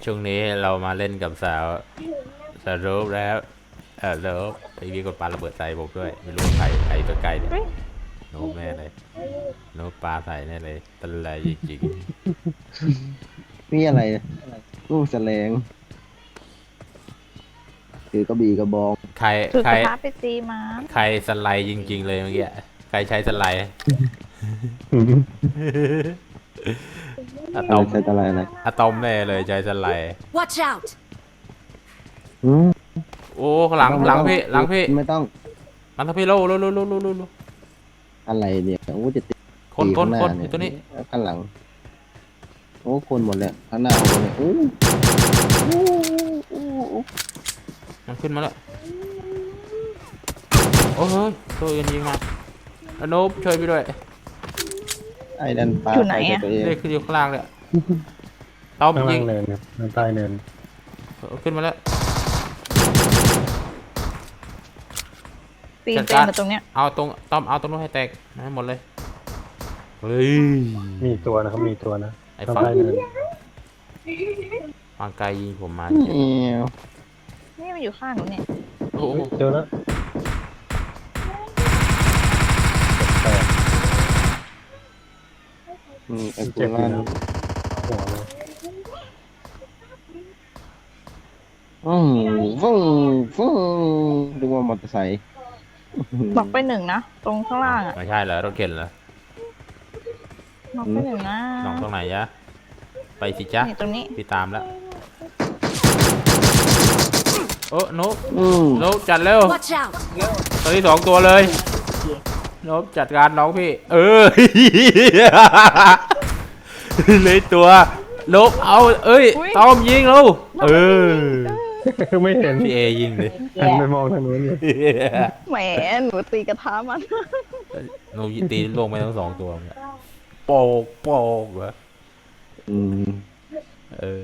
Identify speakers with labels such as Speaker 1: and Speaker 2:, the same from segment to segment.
Speaker 1: ช่วงนี้เรามาเล่นกับสาวรูปแล้วเลิฟไอ้พี่กดปาระเบิดใส่ผมด้วยไม่รู้ว่าใครตัวไกลเนี่ย
Speaker 2: เฮ้ย
Speaker 1: โน้ตแน่เลยโน้ตปลาใส่แน่เลยตะไลจริง
Speaker 3: นี่อะไรลูกแสลงถือกระบี่กระบอง
Speaker 1: ๆใคร
Speaker 2: ถือ
Speaker 1: ใคร
Speaker 2: กระทะไปตีม้า
Speaker 1: ใครสไลด์จริงๆเลยเมื่อกี้ใครใช้สไลด์อะตอม
Speaker 3: ใช้อะไร
Speaker 1: อะตอมแน่เลยใช้สไลด์
Speaker 4: Watch out!
Speaker 3: อืม
Speaker 1: โอ้หลังพี่
Speaker 3: ไม่ต้อง
Speaker 1: หลังพี่โล
Speaker 3: อะไรเนี่ยโอ้จะตี
Speaker 1: คน
Speaker 3: ข้างหน้า
Speaker 1: อ
Speaker 3: เนี่
Speaker 1: ยู่ตัวนี้
Speaker 3: ข้างหลังโอ้คนหมดเลยข้างหน้าคนเนี่ยโอ้
Speaker 1: มันขึ้นมาแล้วโอ้ยตัวเอ็นยิงมาอนุบช่วยพี่ด้วย
Speaker 3: ไอ้ดันปลา
Speaker 2: อยู่ไหน
Speaker 3: ใส่
Speaker 2: อะ
Speaker 3: ตัวเอง
Speaker 1: เลขขึ้นอยู่ข้างล่างเลยต้อม
Speaker 5: ข้าง
Speaker 1: ยิ
Speaker 5: ล่าง งเนินครับข้างใต้เนิน
Speaker 1: ขึ้นมาแล้ว
Speaker 2: ปีน
Speaker 1: จัด
Speaker 2: เป็
Speaker 1: การ
Speaker 2: นมาตรงเนี้ย
Speaker 1: เอาตรงต้อมเอาตรงนู้นให้แตกให้หมดเลยเฮ้ย
Speaker 5: มีอีกตัวนะครับมีอีกตัวนะ
Speaker 1: ไอ้
Speaker 5: ข้าง
Speaker 1: ฝั่ง
Speaker 5: ใต้เนิน
Speaker 1: ฝั่งไกลยิงผมมา
Speaker 3: เอว
Speaker 2: นี่มันอยู่ข้างหนูเนี่ย
Speaker 1: โอ้โห
Speaker 5: เจอแล้วแตก
Speaker 3: ไอ้
Speaker 5: เจ็
Speaker 3: กู
Speaker 5: บอยู่
Speaker 3: ล่า
Speaker 5: นะหัวเลย
Speaker 3: ฟึ่งฟึ่งดูว่ามอเตอร์ไซค์
Speaker 2: บอกไปหนึ่งนะตรงข้างล่างอ่ะ
Speaker 1: ไม่ใช่เหรอรถเข็นเหรอ
Speaker 2: บอกไปหนึ่งนะ
Speaker 1: น้องตรงไหนยะไปสิจ๊ะ
Speaker 2: นี่ตรงนี้
Speaker 1: พี่ตามแล้วโอ้นุ๊ก
Speaker 3: อืม
Speaker 1: นุ๊กจัดเร็ว
Speaker 4: Watch out!
Speaker 1: ตัวที่สองตัวเลยนุ๊กจัดการน้องพี่เลยตัวนุ๊กเอาเอ้ยต้อมยิงเรา
Speaker 5: ไม่เห็น
Speaker 1: พี่เอยิงเลย
Speaker 5: หันไปมองทางนู้นเลย
Speaker 2: แหมหนูตีกระทะมัน
Speaker 1: หนูตีลงไปทั้งสองตัวเนี่ยโปกเหรอ
Speaker 3: อืม
Speaker 1: เออก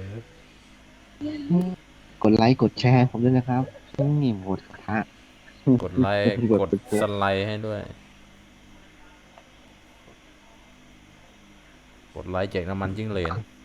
Speaker 3: ดไลค์กดแชร์ผมด้วยนะครับนี่โหวตกระทะ
Speaker 1: กดไลค์กดสไลด์ให้ด้วยกดไลค์แจกน้ำมันจิ้งเหลน